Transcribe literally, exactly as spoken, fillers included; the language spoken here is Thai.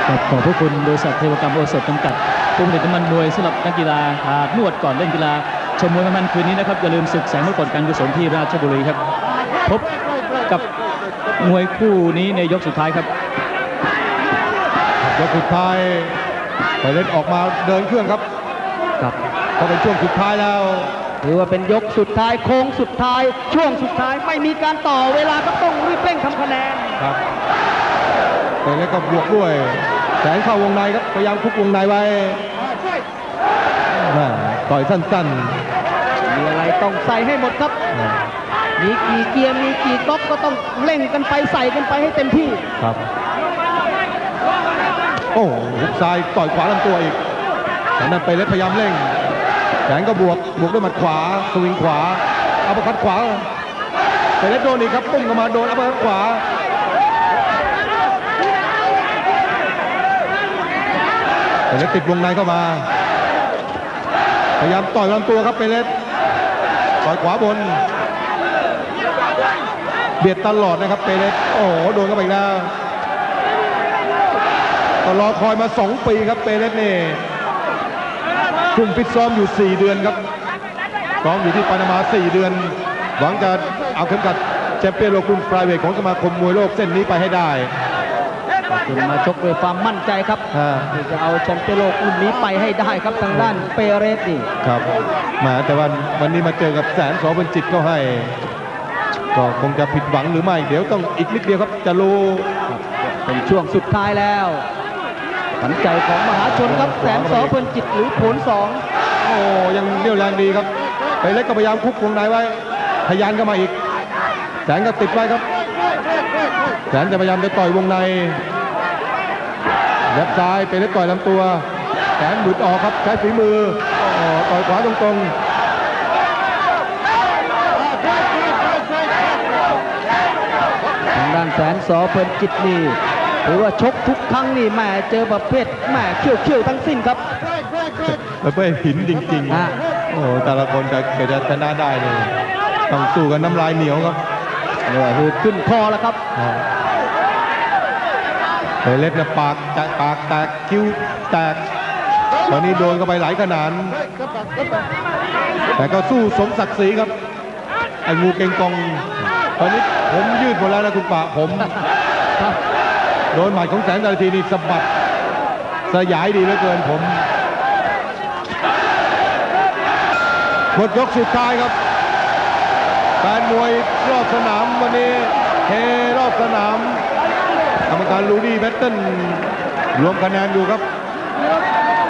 ขอบพระคุณบริษัทเทวกรรมโอสถจำกัดผู้ผลิตน้ำมันมวยสำหรับนักกีฬาอาบนวดก่อนเล่นกีฬาชมมวยมันคืนนี้นะครับอย่าลืมศึกแสงมรกตการกุศลที่ราชบุรีครับพบกับมวยคู่นี้ในยกสุดท้ายครับยกสุดท้ายไปเล่นออกมาเดินเครื่องครับครับพอเป็นช่วงสุดท้ายแล้วถือว่าเป็นยกสุดท้ายโค้งสุดท้ายช่วงสุดท้ายไม่มีการต่อเวลาก็ต้องรีบเร่งทำคะแนนครับไปเล่นก็บวกด้วยแสงเข้าวงในครับพยายามคุกวงในไว้ต่อยสั้นๆมีอะไรต้องใส่ให้หมดครับมีกี่เกียร์มีกี่ก๊อกก็ต้องเร่งกันไปใส่กันไปให้เต็มที่ครับโอ้หุกซ้ายต่อยขวาลำตัวอีกแต่นั้นไปเล็กพยายามเร่งแสงก็บวกบวกด้วยหมัดขวาสวิงขวาอัปเปอร์คัตขวาไปเล็กโดนอีกครับปุ้งเข้ามาโดนอัปเปอร์คัตขวาไปเล็กติดวงในเข้ามาพยายามต่อยลำตัวครับไปเล็กต่อยขวาบนเบียดตลอดนะครับเปเรสโอ้โหโดนเข้าไปอีกแล้วก็รอคอยมาสองปีครับเปเรสนี่คุมฟิตซ้อมอยู่สี่เดือนครับซ้อมอยู่ที่ปานามาสี่เดือนหวังจะเอาเข็มขัดแชมเปี้ยนโลกรุ่นไฟเวทของสมาคมมวยโลกเส้นนี้ไปให้ได้คุณมาชกด้วยความมั่นใจครับที่จะเอาแชมเปี้ยนโลกรุ่นนี้ไปให้ได้ครับทางด้านเปเรสนี่ครับมาแต่วันวันนี้มาเจอกับแสนสอเป็นจิตก็ให้ก็คงจะผิดหวังหรือไม่เดี๋ยวต้องอีกนิดเดียวครับจะรู้เป็นช่วงสุดท้ายแล้วขวัญใจของมหาชนครับแสนสอเพลินจิตหรือผลสองโอ้ยังเรี่ยวแรงดีครับไปเล็กก็พยายามคุกวงในไว้ทะยานเข้ามาอีกแสนก็ติดไว้ครับแสนจะพยายามจะต่อยวงในยับซ้ายไปเล็กต่อยลำตัวแสนหลุดออกครับใช้ฝีมือต่อยขวาตรงๆด้านแสนสอเพลินจิตนี่ถือว่าชกทุกครั้งนี่แหมเจอประเภทแหมเขี้ยวเขี้ยวทั้งสิ้นครับประเภทหินจริงๆโอ้แต่ละคนจะเกิดจะชนะได้เลยต้องสู้กันน้ำลายเหนียวครับเหนื่อยหืดขึ้นคอแล้วครับเฮเล็กนะปากแตกปากแตกคิ้วแตกตอนนี้โดนเข้าไปหลายขนาดแต่ก็สู้สมศักดิ์ศรีครับไอ้งูเก่งกองตอนนี้ผมยืดหมดแล้วนะคุณป่าผมโดนหมัดของแสนดาทีนี่สะบัดสยายดีเหลือเกินผมหมดยกสุดท้ายครับแฟนมวยรอบสนามวันนี้เฮรอบสนามกรรมการลูดี้แบตเทิลรวมคะแนนอยู่ครับ